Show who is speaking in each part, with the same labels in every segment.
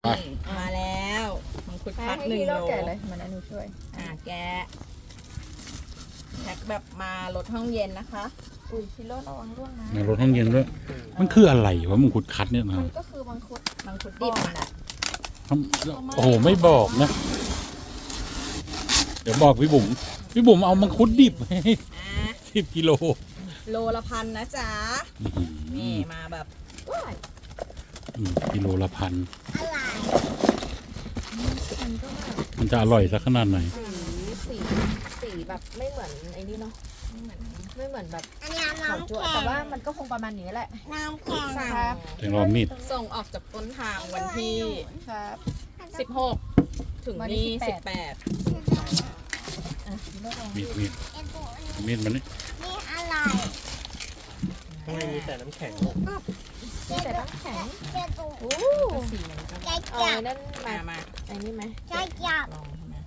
Speaker 1: มาแล้วมังคุดพัด
Speaker 2: ให้
Speaker 1: 1
Speaker 2: ฮี
Speaker 1: โล
Speaker 2: โร่แกะเลยมันอนุช่วย
Speaker 1: แกะแพ็คแบบมาลดห้องเย็นนะคะ
Speaker 2: อุ้ยฮีโร่ระวังร่วงนะ
Speaker 3: ในรถห้องเย็นด้วยมันคืออะไรวะมังคุดคัดเนี่ยนะ
Speaker 2: มันก็คือมังคุด
Speaker 1: มังคุด
Speaker 2: ดิ
Speaker 1: ดิ
Speaker 2: บบ
Speaker 1: อ่ะ
Speaker 2: น่ะ
Speaker 3: โอ้โหไม่บอกนะ เดี๋ยวบอกพี่บุ๋มเอามังคุดดิบให้ 10 กิโล
Speaker 1: โลละ1,000นะจ๊ะนี่มาแบบ
Speaker 2: ว้าย
Speaker 3: กิโลละ1,000
Speaker 2: มันก็แบบ
Speaker 3: มันจะอร่อยสักขนาดไหน
Speaker 2: สีแบบไม่เหมือนไอ้นี่เนาะไม่เหมือนแบบ
Speaker 4: อันนี้
Speaker 2: ขาว
Speaker 4: น้ำ
Speaker 2: จั่ว
Speaker 4: แข็ง
Speaker 2: แต่ว่ามันก็คงประมาณนี้แหละ
Speaker 4: น้ำแข็ง
Speaker 1: สั่ง
Speaker 2: ครับ
Speaker 3: แตงรอมีด
Speaker 1: ส่งออกจากต้นทางวันที่
Speaker 2: ครับ
Speaker 1: 16 ถึง
Speaker 2: วันที่
Speaker 1: นี่
Speaker 2: 18
Speaker 1: 18
Speaker 2: อ่ะฮีโร่ระวัง
Speaker 3: มีด
Speaker 4: ไอ้ตัวนี้
Speaker 3: มีดมันนี่
Speaker 4: นี่อะไร
Speaker 5: ข้างในมีแต่น้ำแข็ง
Speaker 2: มีแต่น้ำแข็ง
Speaker 4: เจ้าตัว
Speaker 2: โอ้
Speaker 1: ก็สีมันก็
Speaker 4: จะ
Speaker 2: เอา
Speaker 4: จับ
Speaker 2: ไอ้นั่นมา
Speaker 1: มา
Speaker 2: ไอ้นี่ไหม
Speaker 4: จะจับ
Speaker 1: ลองใช่ไหม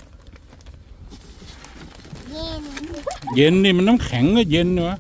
Speaker 4: เย็น
Speaker 3: เย็นนี่มันน้ำแข็งก็เย็นเนอะ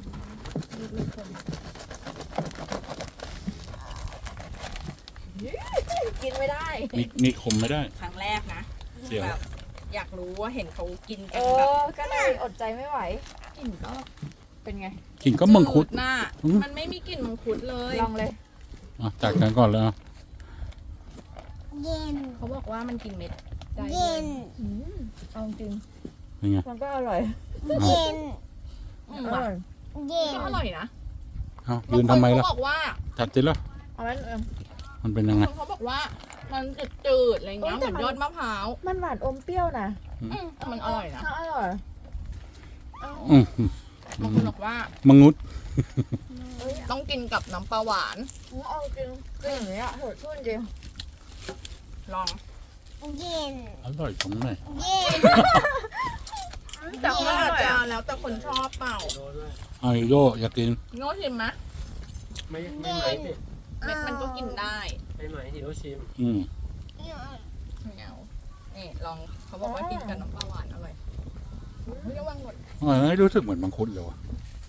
Speaker 2: กินไม่ได้
Speaker 3: นี่คมไม่ได้
Speaker 1: ครั้งแรกนะ
Speaker 3: เสียว
Speaker 1: แบบอยากรู้ว่าเห็นเขากิน
Speaker 2: เอ
Speaker 1: กันแบบ
Speaker 2: อก็เลยอดใจไม่ไหวกลิ่นก็เป็นไง
Speaker 3: กินก็มังคุด
Speaker 1: จืหน้า
Speaker 3: อืม
Speaker 1: มันไม่มีกลิ่นมังคุดเลย
Speaker 2: ลองเลย
Speaker 3: อ่ะจากกันก่อนแล้ว
Speaker 4: เย็น
Speaker 1: เขาบอกว่ามันกินเม็ดได้
Speaker 4: เย็น
Speaker 2: เอาจริง
Speaker 3: ยังไง
Speaker 2: มันก็อร่อย
Speaker 4: เย็น
Speaker 1: อืม
Speaker 2: อร่อย
Speaker 4: เย็น
Speaker 1: ก็อร่อยนะ
Speaker 3: เอายืนทำไมล่ะ
Speaker 1: บางคนเขาบอกว่า
Speaker 3: จัดสิล่ะ
Speaker 2: เอางั้น
Speaker 3: มันเป็น
Speaker 1: บา
Speaker 3: ยัง
Speaker 1: ง
Speaker 3: ไง
Speaker 1: คนเขาบอกว่ามันจืดๆอะไรเงี้ย
Speaker 2: เออ
Speaker 1: เห
Speaker 2: แต่
Speaker 1: มือน
Speaker 2: มัน
Speaker 1: ยอดมะพร้าว
Speaker 2: มันหวานอมเปรี้ยวนะ
Speaker 1: แต่มันอร่อยนะ
Speaker 2: อร่อย
Speaker 3: อืม
Speaker 1: บางคนบอกว่า
Speaker 3: มังงุด
Speaker 1: ต้องกินกับน้ำปลาหวาน
Speaker 2: เอาจริงกินอย่างนี้อะโหดชื่นจริง
Speaker 1: ลอง
Speaker 4: เย็น
Speaker 3: อร่อยตรงไหน
Speaker 4: เย็น
Speaker 1: แต่ว่าอาจจะแล้วแต่คนชอบเปล่า
Speaker 5: โดนด้วย
Speaker 3: ไอโยอยากกิน
Speaker 1: โน้ตชิมไหม
Speaker 5: ไม่ไหมสิ
Speaker 1: เม็ดมันก็กินได้
Speaker 5: ไม่ไหมฮิโรชิม
Speaker 3: อืม
Speaker 1: เงานี่ลองเขาบอกว่ากินกับน้ำปลาหวานอร่อยเฮ้ยระวังหมด
Speaker 3: อร่อยนะรู้สึกเหมือนมังคุดเลยวะ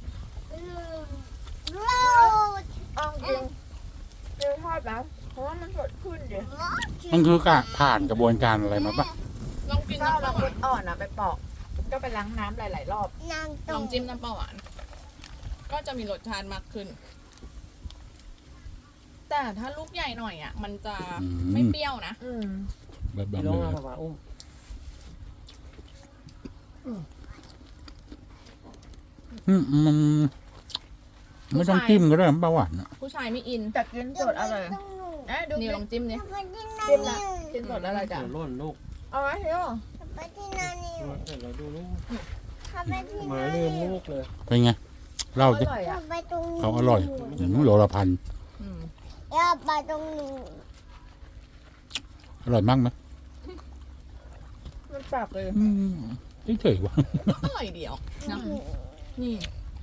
Speaker 4: รูด
Speaker 2: เอาจริงเปรี้ยวทอดนะเพราะว่ามันสดชื่นจริง
Speaker 3: มันคือกะผ่านกระบวนการอะไรมาปะ
Speaker 1: ลองกิน
Speaker 2: ถ้า
Speaker 1: น้ำป
Speaker 2: เรา
Speaker 1: ลาหวา
Speaker 2: คุ
Speaker 1: น
Speaker 2: ดอ่อนอะไปปอก ก็ไปล้างน้ำหลายๆรอบ
Speaker 4: น้ำ
Speaker 1: ล
Speaker 4: ตุ่
Speaker 1: อง
Speaker 4: ม
Speaker 1: จิ้มน้ำปลาหวาน ก็จะมีรสชาติมากขึ้น แต่ถ้าลูกใหญ่หน่อยอ่ะ มันจะไม่เปรี้ยวนะ
Speaker 3: แบบ
Speaker 5: ฮิ
Speaker 3: ๆ
Speaker 5: โร
Speaker 3: เลย
Speaker 5: มาป่าอุ้ม
Speaker 3: มันไม่ต้องจิ้มก็ได้น้ำปลาหวานอะ
Speaker 1: ผู้ชายไม่อิน
Speaker 2: แต่กินสดอร่อยเอ้ยดู
Speaker 1: นี่ลองจิ้มนี่
Speaker 4: ไปที่นา
Speaker 2: จิ้ม
Speaker 4: นิ
Speaker 2: ละ
Speaker 4: ว
Speaker 2: กินสดแล้วอะไรจ้ะ
Speaker 5: เดี๋ยวหล่นลูก
Speaker 2: เอาไหมเฮีย
Speaker 4: ไปที่นานิว
Speaker 5: เดี๋ยวเราดูลูก
Speaker 4: ไปที่
Speaker 5: หมา
Speaker 4: นา
Speaker 5: ลื
Speaker 4: นิ
Speaker 5: ม
Speaker 4: ว
Speaker 5: ลูกเลย
Speaker 3: เป็นไงเล่า
Speaker 2: อ
Speaker 3: สิ
Speaker 2: ร่อยอะ
Speaker 4: ไปตรงนี้
Speaker 3: เขาอร่อยโลละพัน
Speaker 1: อืม
Speaker 4: อย่าไปตรงนี้
Speaker 3: อร่อยมากไหม
Speaker 2: มันปรับเลย
Speaker 3: เฉยๆวะ
Speaker 1: อร่อยเดียวนะนี่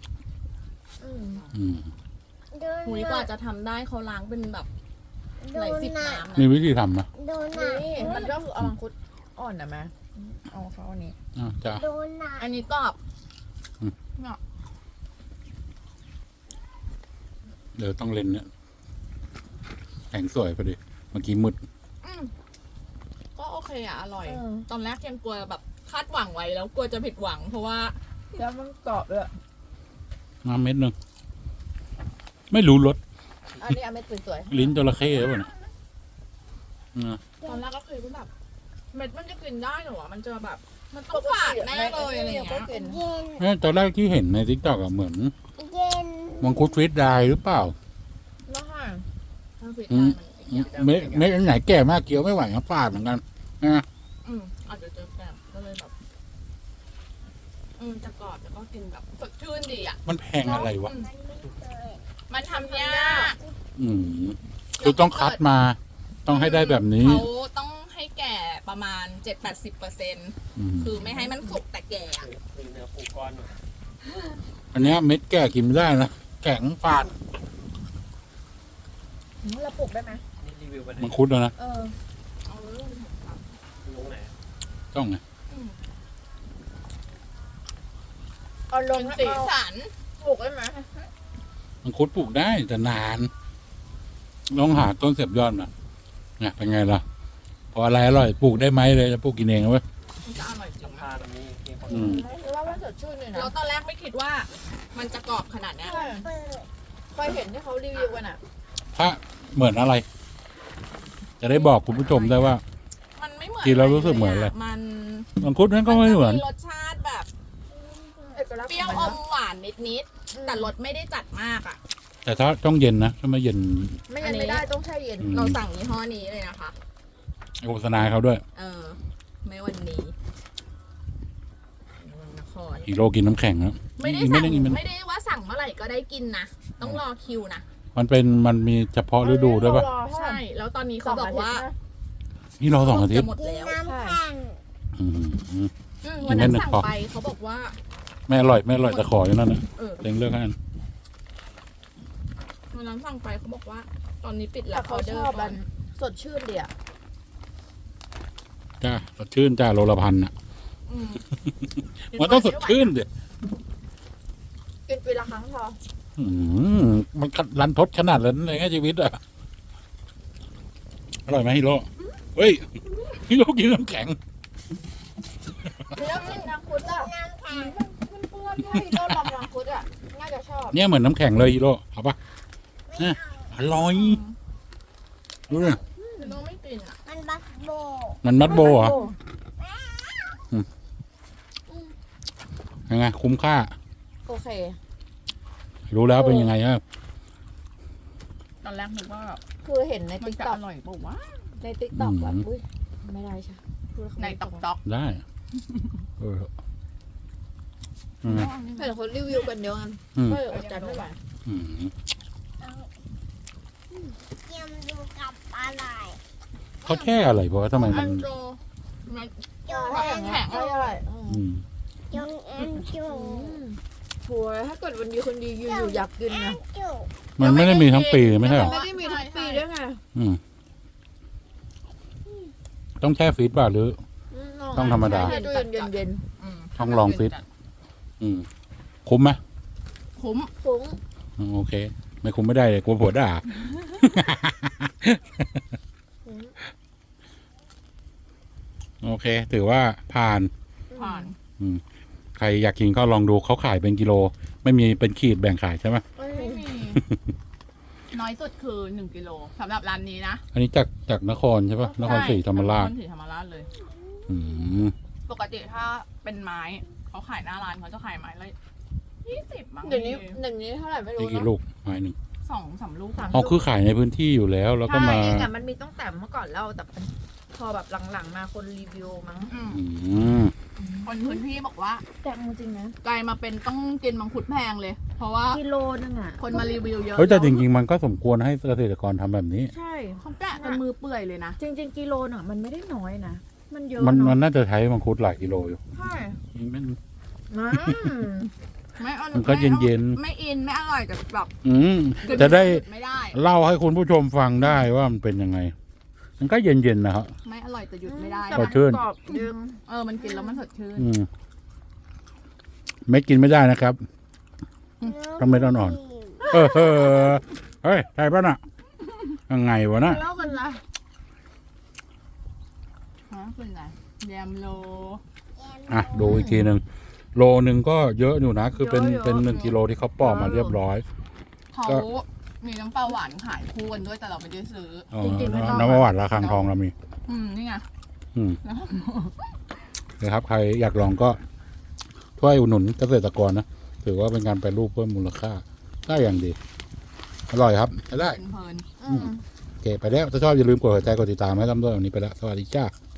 Speaker 4: ดู
Speaker 1: หุยกว่าจะทำได้เขาล้างเป็นแบบหลายสิบน้ำ
Speaker 3: มี
Speaker 1: นะ
Speaker 3: วิธีทำนะ
Speaker 4: ดูหนัก
Speaker 2: นี่มันก็คือเอามังคุดอ่อนนะแม่เอาเขาอันนี้
Speaker 3: จะ
Speaker 4: ดูหนัก
Speaker 1: อันนี้กรอบ
Speaker 3: เดี๋ยวต้องเล่นเนี่ยแข็งสวยพอดีเมื่อกี้มืด
Speaker 1: ก็โอเคอ่ะ อร่อย
Speaker 2: เออ
Speaker 1: ตอนแรกยังกลัวแบบคาดหวังไว้แล้วกลัวจะผิดหวัง เพราะว่า
Speaker 2: แล้วมันกรอบด้วย
Speaker 3: น้ำเม็ดหนึงไม่รู้รส
Speaker 2: อันนี้เอาเม็ดสวย
Speaker 3: ลิ้นจระเข้หรือเปล่าเนี่ยนะ
Speaker 1: ตอนแรกก็เคยว่าแบบเม็ดมันจะกินได้เหรอวะมันจะแบบ มัน
Speaker 2: ๆ
Speaker 1: ต้องหวานแน่เลยอะไรอย่าง
Speaker 2: ก็
Speaker 1: เงี้ย
Speaker 2: กิน
Speaker 4: เย็น
Speaker 3: เนี่ยตอนแรกที่เห็นในทิกตอกอะเหมือน
Speaker 4: เย็น
Speaker 3: มังคุดฟรีดไดร์หรือเปล่า
Speaker 2: แล้วค่ะ
Speaker 1: ถ้าผิด
Speaker 3: อื
Speaker 1: ได้
Speaker 3: ม
Speaker 1: มัน
Speaker 3: เม็ดอันไหนแก่มากเคี้ยวไม่ไหวนะฟาดเหมือนกันนะ
Speaker 1: อาจจะเจอแบบก็เลยแบบจะกรอบแล้วก็กินแบบสดชื่นดีอ่ะ
Speaker 3: มันแพงอะไรวะ
Speaker 1: มันทำยาก
Speaker 3: อืมคือต้องคัดมา ต้องให้ได้แบบนี้
Speaker 1: เขาต้องให้แก่ประมาณ 7-80%
Speaker 3: อืม
Speaker 1: คือไม่ให้มันสุกแต่แก่อะ
Speaker 5: เป็นเนื้อปูก้อนหน่อย
Speaker 3: อันเนี้ยเม็ดแก่กินไม่ได้นะแข็งฟาด
Speaker 2: เราปลูกได้ไหม
Speaker 5: นี่รีวิวไปไหน
Speaker 3: มังคุดแล้วนะ
Speaker 2: เออ
Speaker 1: เอาเรื่องของเขา
Speaker 5: ลงไหน
Speaker 3: ต้องไง
Speaker 2: เอาล
Speaker 1: เป็
Speaker 2: ง
Speaker 1: น
Speaker 2: ให้
Speaker 1: สี
Speaker 2: เอา
Speaker 1: สัน
Speaker 2: ปลูกได้ไหม
Speaker 3: มังคุดปลูกได้แต่นานลองหาต้นเสียบยอดมาเนี่ยเป็นไงล่ะพออะไรอร่อยปลูกได้ไหมเลยจะปลูกกินเองเอาไว้
Speaker 1: มันจะอร่อยจริง
Speaker 5: พา
Speaker 1: นะ
Speaker 5: ตรงนี้มีคน
Speaker 3: อืม
Speaker 2: หรือว่ามันสดชื่นเลยนะ
Speaker 1: เราตอนแรกไม่คิดว่ามันจะกรอบขนาดเนี้ย
Speaker 2: ใช่เคยเห็นที่เขารีวิวกันอ่ะ
Speaker 3: ถ้าเหมือนอะไร จะได้บอกคุณผู้ชมได้ว่า
Speaker 1: มันไม่เหมือน
Speaker 3: กินแล้วรู้สึกเหมือนอะไร
Speaker 1: มัน
Speaker 3: มังคุดนั้นก็ไม่เหมือน
Speaker 1: รสชาติแบบ
Speaker 2: เอกลักษณ์
Speaker 1: เปรี้ยว
Speaker 2: ข
Speaker 1: อ
Speaker 2: อง
Speaker 1: ม
Speaker 2: มัน
Speaker 1: หวานนิดๆแต่รสไม่ได้จัดมากอ่ะ
Speaker 3: แต่ถ้าต้องเย็นนะถ้าไม่เย็น
Speaker 2: ไม่งั้นไม่ได้ต้องแช่เย็น
Speaker 3: อืม
Speaker 1: เราสั่งยี่ห้อนี้เลยนะคะ
Speaker 3: โฆษณาเขาด้วย
Speaker 1: ไม่วันนี้เมืองนคร
Speaker 3: ฮีโร่กินน้ำแข็งนะ
Speaker 1: ไม่ได้
Speaker 3: อีก
Speaker 1: สั่ง
Speaker 3: กิน
Speaker 1: ไม่ได้ว่าสั่งเมื่อไหร่ก็ได้กินนะต้องรอคิวนะ
Speaker 3: มันมีเฉพาะฤดูด้วยป่ะ
Speaker 1: ใช่ แล้วตอนนี้เขาบอกว่า
Speaker 3: นี่รอ2 อาทิต
Speaker 1: จะ
Speaker 3: ย์
Speaker 1: หมด
Speaker 4: กิน
Speaker 1: แล้ว
Speaker 4: น้ำแข็ง
Speaker 3: อืม
Speaker 1: วันนั้น
Speaker 3: กินไม่
Speaker 1: สั่ง
Speaker 3: พอ
Speaker 1: ไปเขาบอกว่า
Speaker 3: ไม่อร่อยแต่ขออย่างนั้นนะ
Speaker 1: เออ
Speaker 3: เล็งเลือกให้อัน
Speaker 1: วันนั้นสั่งไปเขาบอกว่า ตอนนี้ปิดแล้
Speaker 2: แต่
Speaker 1: ว
Speaker 2: เขาชอบมันสดชื่นดีอ่ะ
Speaker 3: จ้าสดชื่นจ้าโลละ1,000อ่ะ
Speaker 1: อืม
Speaker 3: มันต้องสดชื่นดิ
Speaker 2: กินปีละครั้งพอ
Speaker 3: อืมมันรันทดขนาดนั้นเลยไงชีวิตอ่ะอร่อยไหมฮีโร่เฮ้ยฮีโร่กินน้ำแข็ง
Speaker 2: แล้วกินมังคุดอ่ะ
Speaker 4: น้ำแข็ง
Speaker 2: มันเปื้อนด้วยก็ลองมังคุดอ่ะน่าจะชอบ
Speaker 3: เนี่ยเหมือนน้ำแข็งเลยฮีโร่เอาปะเนี่ยอร่อยดูดิ
Speaker 1: น้องไม่กินอ่ะ
Speaker 4: มันบักโบ
Speaker 3: มันมัดโบเหรอยังไงคุ้มค่า
Speaker 2: โอเค
Speaker 3: รู้แล้วเป็นยังไงครับ
Speaker 1: ตอนแรกนึกว่า
Speaker 2: คือเห็นใน
Speaker 1: มัน
Speaker 2: ติ๊ก
Speaker 1: จะ
Speaker 2: ต็อ
Speaker 1: อก ร่อยป่าวะ
Speaker 2: ในติ๊กต็อกแบบอุ้ยไม่ได้ใช่พูดแล้วเขา
Speaker 1: ใน
Speaker 2: ไม่
Speaker 1: ตอกจ๊อก
Speaker 3: ได้เอออืม
Speaker 2: เห็นคนรีวิวกันเยอะกัน
Speaker 3: อืม
Speaker 2: ก็เลยอดใจไม่ไหว
Speaker 3: อืม
Speaker 4: เยี่ยมดูกับอะไร
Speaker 3: เขาแช่อะไรเพราะว่าทำไม
Speaker 1: อั
Speaker 3: มัน
Speaker 1: นโจมัน
Speaker 4: จง
Speaker 2: ถ้าอย่างเงี้ยก็อร่อย
Speaker 3: อืม
Speaker 4: จงเอ็นจู
Speaker 2: ชัวร์ถ้าเกิดวันดีคนดีอยู่อยากกินนะ
Speaker 4: จู
Speaker 3: มันไม่ได้มีทั้งปีไม่ใช่เหรอ
Speaker 2: ไม่ได้มีทั้งปีด้วยไง
Speaker 3: อืมต้องแช่ฟรีซป่ะหรือ ต้องธรรมดา
Speaker 2: ใช่ตู้เย็น
Speaker 3: ต้องลองฟิต อืมคุ้มไหม
Speaker 1: คุ้ม
Speaker 2: ๆฟุ้ง
Speaker 3: โอเค ไม่คุ้มไม่ได้เลยกลัวผัวด่า โอเค ถือว่าผ่าน
Speaker 1: ผ่าน
Speaker 3: ใครอยากกินก็ลองดูเขาขายเป็นกิโล ไม่มีเป็นขีดแบ่งขายใช่ไหม
Speaker 1: ไม่มี น้อยสุดคือ1 กิโลสำหรับร้านนี้นะ
Speaker 3: อันนี้จากนครใช่ปะนครศรีธรรมราช
Speaker 1: นครศรีธรรมราชเลย
Speaker 3: อืม
Speaker 1: ปกติถ้าเป็นไม้เขาขายหน้าร้านเขาจะขายไม้ละ20มั้ง
Speaker 2: เดี๋ยวนี้เท่าไหร่ไม่รู้
Speaker 3: นี่กี่
Speaker 2: นะ
Speaker 3: ลูกไม้หนึ่ง
Speaker 1: 2-3 ลูก
Speaker 3: อ๋อคือขายในพื้นที่อยู่แล้ว แล้วก็
Speaker 2: ใช่
Speaker 3: มา
Speaker 2: แต่มันมีตั้งแต่เมื่อก่อนแล้วแต่พอแบบหลังๆมาคนรีวิวมั้ง
Speaker 1: อืม
Speaker 3: อืม
Speaker 1: คนพื้นที่บอกว่า
Speaker 2: แต่จริงๆนะ
Speaker 1: กลายมาเป็นต้องกินมังคุดแพงเลย เพราะว่า
Speaker 2: กิโลนึงอ่ะ
Speaker 1: คนมารีวิวเยอะ
Speaker 3: เฮ้ยแต่จริงๆมันก็สมควรให้เกษตรกรทำแบบนี้
Speaker 2: ใช่
Speaker 1: เขาแกะกันมือเปื่อยเลยนะ
Speaker 2: จริง ๆกิโลน่ะมันไม่ได้น้อยนะมันเยอะ
Speaker 3: มัน
Speaker 2: เนาะ
Speaker 3: น่าจะใช้มังคุดหลายกิโลอยู่
Speaker 2: ใช่
Speaker 3: มัน
Speaker 2: อืม
Speaker 1: ไม่เอา
Speaker 3: มันก็เย็นๆ
Speaker 1: ไม่อินไม่อร่อยแต่แบบ
Speaker 3: จะได้
Speaker 1: ไม่ได้
Speaker 3: เล่าให้คุณผู้ชมฟังได้ว่ามันเป็นยังไง มันก็เย็นๆนะครับ
Speaker 1: ไม่อร่อยแต่หยุดไม่ได้
Speaker 2: แต่
Speaker 3: ส
Speaker 2: มั
Speaker 3: ดชื่น
Speaker 2: กรอบดึง
Speaker 1: มันกินแล้วมันสดชื่น
Speaker 3: ไม่กินไม่ได้นะครับ ต้องเม็ดอ่อน เฮ้ยใช่ป่ะน่ะยังไงวะน่ะ
Speaker 2: เล่ากันนะ
Speaker 1: ฮะเป็นไรแยมโล
Speaker 3: อ่ะดูอีกทีหนึ่งโลนึงก็เยอะอยู่นะ คือเป็น1 กิโลที่เขาปอกมาเรียบร้อย
Speaker 1: เขามีน้ำปลาหวานขายคู่กันด้วยแต่เราไม่ได้ซื้อ
Speaker 3: อ๋อน้ำประวัติระฆังทองเรามี
Speaker 1: นี่ไง
Speaker 3: อืม
Speaker 1: แล้ว
Speaker 3: นะครับ ใครอยากลองก็ช่วยอุดหนุนเกษตรกรนะ ถือว่าเป็นการแปรรูปเพิ่มมูลค่าได้อย่างดี อร่อยครับได้
Speaker 1: เพลิน
Speaker 2: อืม
Speaker 3: โอเค ไปแล้ว ถ้าชอบอย่าลืมกดหัวใจกดติดตามให้ตั้มด้วยวันนี้ไปแล้ว สวัสดีจ้า